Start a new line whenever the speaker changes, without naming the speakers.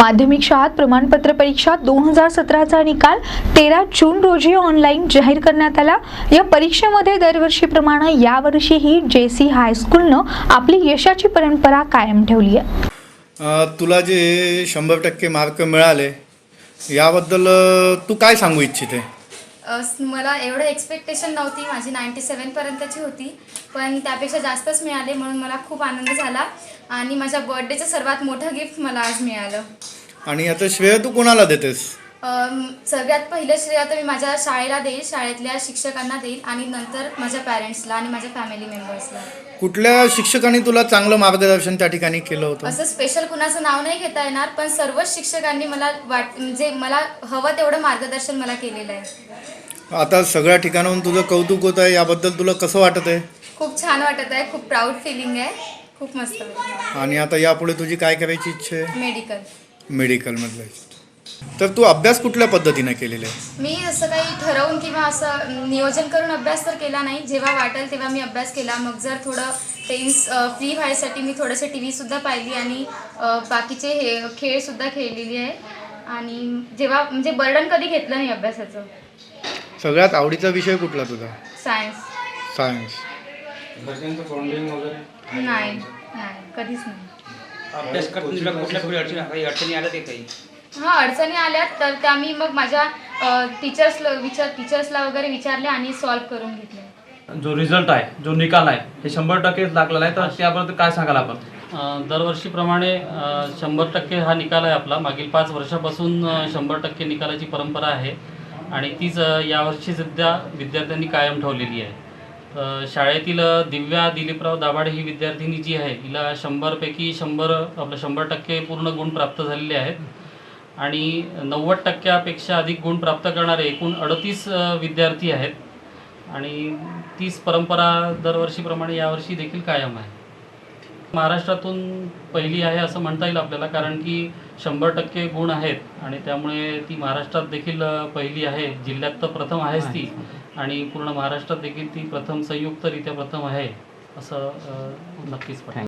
माध्यमिक शाळात प्रमाणपत्र परीक्षा 2017चा निकाल 13 जून रोजी ऑनलाईन जाहीर करण्यात आला। या परीक्षेमध्ये दरवर्षीप्रमाणे यावर्षीही जेसी हायस्कूलनं आपली यशाची परंपरा कायम ठेवली आहे।
तुला जे 100% मार्क मिळाले याबद्दल तू काय सांगू इच्छिते?
मला एवढं एक्सपेक्टेशन नव्हती, माझी 97 पर्यंतची होती, पण त्यापेक्षा जास्तच मिळाले म्हणून मला खूप आनंद झाला आणि माझ्या बर्थडेचं सर्वात मोठं गिफ्ट मला आज मिळालं।
आणि याचं श्रेय तू कोणाला देतेस?
सगळ्यात पहिलं श्रेय आता मी माझ्या शाळेला देईल, शाळेतल्या शिक्षकांना देईल आणि नंतर माझ्या पॅरेंट्सला आणि माझ्या फॅमिली मेंबर्सला।
कुठल्या शिक्षकांनी तुला चांगलं मार्गदर्शन त्या ठिकाणी केलं होतं?
असं स्पेशल कुणाचं नाव नाही घेता येणार, पण सर्वच शिक्षकांनी मला म्हणजे मला हवं तेवढं मार्गदर्शन मला केलेलं आहे।
आता सगळ्या ठिकाणाहून तुझं कौतुक होत आहे, याबद्दल तुला कसं वाटत आहे?
खूप छान वाटत आहे, खूप प्राऊड फिलिंग आहे, खूप मस्त वाटतं।
आणि आता यापुढे तुझी काय करायची इच्छा आहे? मेडिकलमधलं। तर तू अभ्यास कुठल्या पद्धतीने केलेला आहे?
मी असं काही ठरवून किंवा असं नियोजन करून अभ्यास तर केला नाही, जेव्हा वाटेल तेव्हा मी अभ्यास केला। मग जर थोडं टेन्स फ्री व्हायसाठी मी थोडंसं TV सुद्धा पाहिली आणि बाकीचे खेळसुद्धा खेळलेली आहे आणि जेव्हा म्हणजे बर्डन कधी घेतलं नाही अभ्यासाचं।
सगळ्यात आवडीचा विषय कुठला तुझा? सायन्स।
घरच्यांचं फंडिंग वगैरे
नाही कधीच नाही।
अभ्यास करताना कुठल्या अडचणी आल्या ते काही?
हां, अडचणी आल्या तर त्या मी मग माझ्या टीचर्सला वगैरे विचारले आणि सॉल्व्ह करून घेतले।
जो रिझल्ट आहे, जो निकाल आहे हे 100% लागलेला आहे, तर त्याबद्दल काय सांगाल आपण?
दरवर्षीप्रमाणे 100% हा निकाल आहे आपला। मागील 5 वर्षापासून 100% निकालाची परंपरा आहे आणि तीच यावर्षी सुद्धा विद्यार्थ्यांनी कायम ठेवलेली आहे। शाळेतील दिव्या दिलीपराव दाभाडे ही विद्यार्थिनी जी आहे, हिला 100पैकी 100 आपलं 100% पूर्ण गुण प्राप्त झालेले आहेत आणि 90%पेक्षा अधिक गुण प्राप्त करणारे एकूण 38 विद्यार्थी आहेत आणि तीच परंपरा दरवर्षीप्रमाणे यावर्षी देखील कायम आहे। महाराष्ट्रातून पहिली आहे असं म्हणता येईल आपल्याला, कारण की 100% गुण आहेत आणि त्यामुळे ती महाराष्ट्रात देखील पहिली आहे। जिल्ह्यात तर प्रथम आहेच ती आणि पूर्ण महाराष्ट्रात देखील ती संयुक्तरित्या प्रथम आहे असं नक्कीच वाटतं।